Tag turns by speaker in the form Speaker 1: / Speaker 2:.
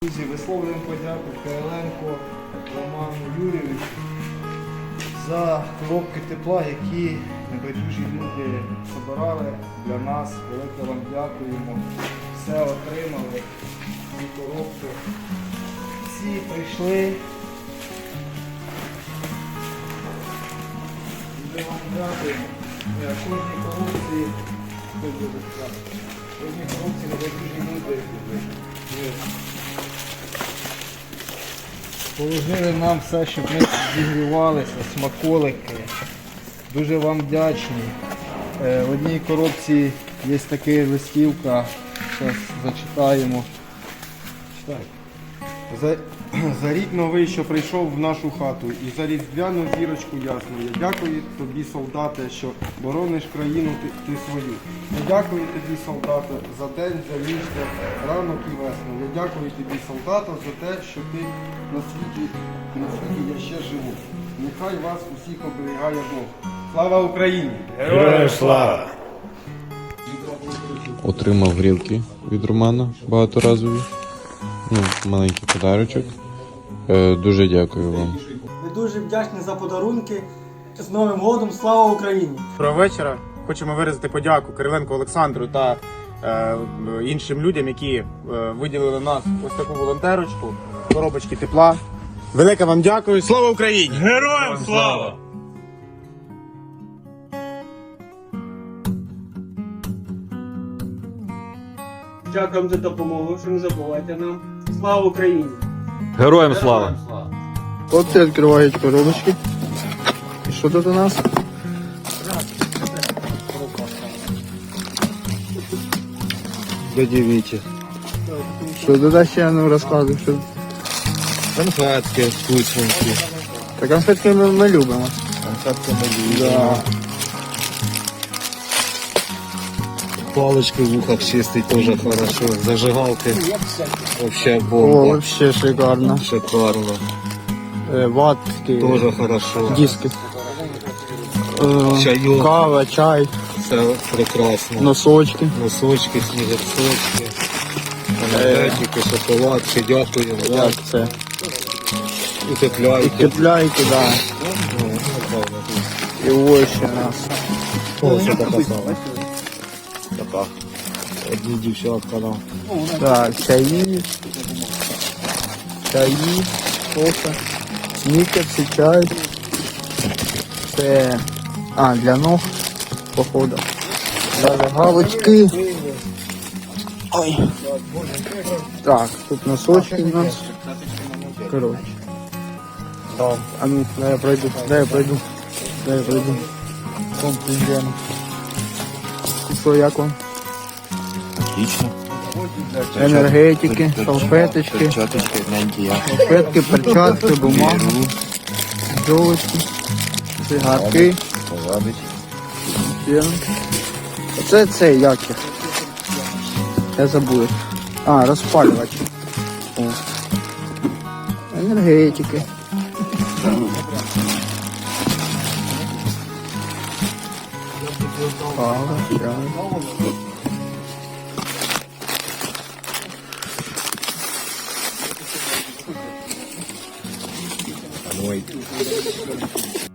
Speaker 1: Друзі, висловлюємо подяку Кириленку Роману Юрійовичу за коробки тепла, які небайдужі люди збирали для нас. Велике вам дякуємо. Все отримали, ці коробки. Всі прийшли. Дуже вам дякуємо. Кожній коробці небайдужі люди положили нам все, щоб ми зігрівалися, смаколики. Дуже вам вдячні. В одній коробці є така листівка, зараз зачитаємо. Читай.
Speaker 2: За рік новий, що прийшов в нашу хату, і за різдвяну зірочку ясну. Я дякую тобі, солдате, що борониш країну ти свою. Я дякую тобі, солдате, за день, за місто, ранок і весну. Я дякую тобі, солдата, за те, що ти на світі я ще живу. Нехай вас усіх оберігає Бог. Слава Україні!
Speaker 3: Героям слава!
Speaker 4: Отримав грілки від Романа багаторазові. Маленький подарочок. Дуже дякую вам.
Speaker 5: Ми дуже вдячні за подарунки. З Новим годом! Слава Україні!
Speaker 3: Доброго вечора. Хочемо виразити подяку Кириленку Олександру та іншим людям, які виділили нас ось таку волонтерочку, коробочки тепла. Велике вам дякую. Слава Україні! Героям слава!
Speaker 5: Дякуємо за допомогу, що не забувайте нам. Слава Україні!
Speaker 6: Героям слава!
Speaker 1: Хлопці відкривають коробочки. І що тут у нас? Додивіться. Що туди ще розказуй? Що...
Speaker 6: Конфетки, вкусненькі.
Speaker 1: Та конфетки ми любимо.
Speaker 6: Конфетки ми любимо.
Speaker 1: Да.
Speaker 6: Палочки в ухах чистить тоже хорошо. Зажигалки вообще
Speaker 1: О,
Speaker 6: бомба.
Speaker 1: вообще шикарно.
Speaker 6: Шикарно.
Speaker 1: Ватки,
Speaker 6: Тоже хорошо.
Speaker 1: диски.
Speaker 6: Чайок.
Speaker 1: Кава, чай,
Speaker 6: Все прекрасно.
Speaker 1: носочки.
Speaker 6: Носочки, снігерсочки. Енергетики, шоколад. Ще дякуємо.
Speaker 1: Як це?
Speaker 6: І тепляйки.
Speaker 1: Тепляйки, да.
Speaker 6: Ну, напевно.
Speaker 1: І ось ще у нас.
Speaker 6: Ось така сама. Така. Одні дівчатка нам.
Speaker 1: Так, чаї, кофе, снікерси, чай. Це, для ног, походу. Галочки. Ой. Так, тут носочки у нас. Короче. А ну, дай я пройду. Вон пиздяно. І що, як вам?
Speaker 6: Отлично.
Speaker 1: Енергетики, салфеточки.
Speaker 6: Перчаточки,
Speaker 1: Салфетки, перчатки, бумага, золочки, цигарки. Це як їх? Я забув. Розпалювачі. О. Енергетики. Кава, чай.
Speaker 6: Ой.